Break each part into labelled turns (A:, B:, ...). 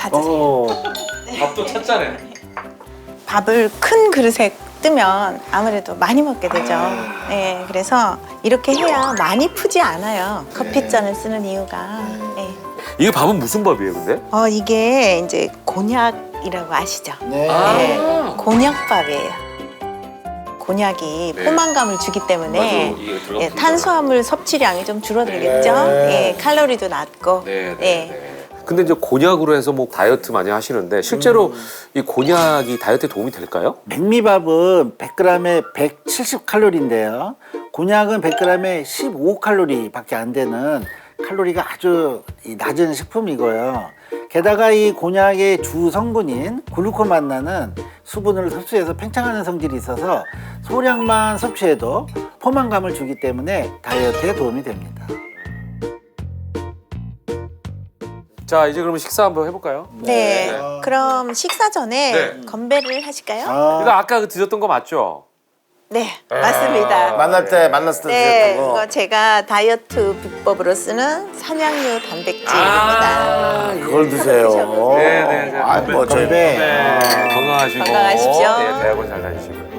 A: 가지세요.
B: 밥도 찼잖아요.
A: 밥을 큰 그릇에 뜨면 아무래도 많이 먹게 되죠. 네, 그래서 이렇게 해야 많이 푸지 않아요. 커피잔을 쓰는 이유가. 네.
B: 이게 밥은 무슨 밥이에요, 근데?
A: 이게 이제 곤약이라고 아시죠?
C: 네.
A: 네, 곤약밥이에요. 곤약이
B: 네.
A: 포만감을 주기 때문에
B: 맞아, 이게 들어가면
A: 탄수화물 섭취량이 좀 줄어들겠죠.
C: 네.
A: 칼로리도 낮고.
B: 네, 네,
A: 네.
B: 네. 근데 이제 곤약으로 해서 뭐 다이어트 많이 하시는데 실제로 이 곤약이 다이어트에 도움이 될까요?
C: 백미밥은 100g에 170칼로리인데요. 곤약은 100g에 15칼로리밖에 안 되는 칼로리가 아주 낮은 식품이고요. 게다가 이 곤약의 주 성분인 글루코만나는 수분을 흡수해서 팽창하는 성질이 있어서 소량만 섭취해도 포만감을 주기 때문에 다이어트에 도움이 됩니다.
B: 자, 이제 그러면 식사 한번 해볼까요?
A: 네. 그럼 식사 전에
B: 네.
A: 건배를 하실까요?
B: 이거 아까 그 드셨던 거 맞죠?
A: 네, 맞습니다.
D: 만났을 때
A: 네,
D: 드셨던 거.
A: 이거 제가 다이어트 비법으로 쓰는 산양류 단백질입니다.
D: 그걸 드세요.
B: 네, 네, 네.
D: 아, 뭐 저희
B: 네. 건강하시고.
A: 건강하십시오.
B: 네, 대학원 잘 다니시고.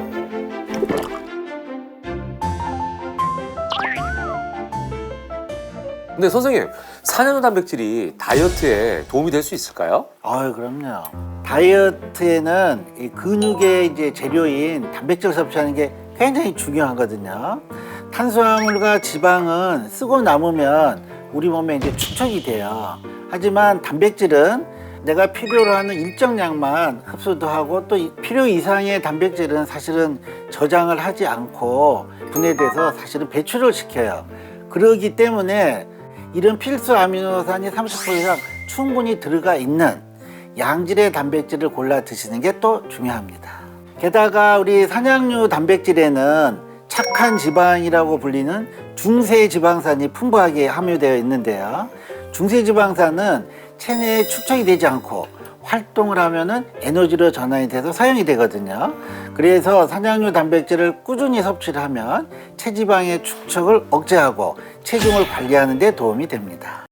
B: 근데 선생님, 산양류 단백질이 다이어트에 도움이 될 수 있을까요?
C: 그럼요. 다이어트에는 이 근육의 이제 재료인 단백질 섭취하는 게 굉장히 중요하거든요. 탄수화물과 지방은 쓰고 남으면 우리 몸에 이제 축적이 돼요. 하지만 단백질은 내가 필요로 하는 일정량만 흡수도 하고 또 필요 이상의 단백질은 사실은 저장을 하지 않고 분해돼서 사실은 배출을 시켜요. 그러기 때문에 이런 필수 아미노산이 30% 이상 충분히 들어가 있는 양질의 단백질을 골라 드시는 게 또 중요합니다. 게다가 우리 산양류 단백질에는 착한 지방이라고 불리는 중세지방산이 풍부하게 함유되어 있는데요. 중세지방산은 체내에 축적이 되지 않고 활동을 하면은 에너지로 전환이 돼서 사용이 되거든요. 그래서 산양류 단백질을 꾸준히 섭취를 하면 체지방의 축적을 억제하고 체중을 관리하는 데 도움이 됩니다.